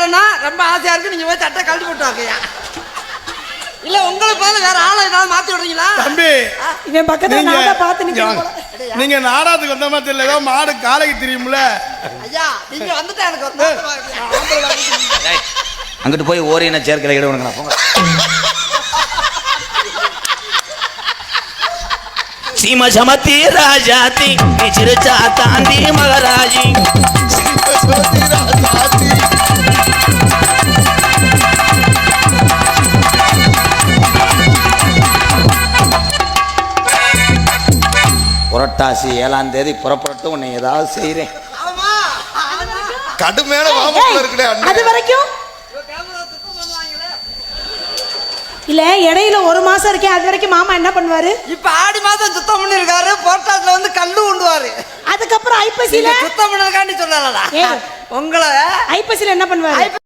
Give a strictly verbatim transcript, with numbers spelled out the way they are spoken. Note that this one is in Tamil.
போறேன்னா ரொம்ப ஆசையா இருக்கு, நீங்க போய் சட்டை கழட்டி போட்டு வாங்கய்யா. இல்ல உங்களுக்கு பதில் வேற ஆளை ஏதாவது மாத்தி விடுறீங்களா? தம்பி இவன் பக்கத்துல நாடா பார்த்து நிக்கிறீங்க. நீங்க நாடாத்துக்கு வந்த மாதிரி தெரியல, ஏதோ மாடு காலைக்கு தெரியும்ல. ஐயா நீங்க வந்துட்டா எனக்கு அங்கிட்டு போய் ஓரின சேர்க்கல இட உனக்கு போங்க. சீம சமத்தி ராஜாத்தி சிறுச்சா தாண்டி மகராஜி புரட்டாசி ஏழாம் தேதி புறப்பட்டு உன்னை ஏதாவது செய்யறேன். கடுமையான வாமப்புல இருக்குடே. அது வரைக்கும் இல்ல, இடையில ஒரு மாசம் இருக்கேன், அது வரைக்கும் மாமா என்ன பண்ணுவாரு? இப்ப ஆடி மாதம் சுத்தம் பண்ணி இருக்காரு, போட்டாத்துல வந்து கல்லு கொண்டுவாரு. அதுக்கப்புறம் ஐப்பசியில சுத்தம் பண்ணதுக்காண்டி சொல்லலடா ஏய், உங்களை ஐப்பசியில என்ன பண்ணுவாரு?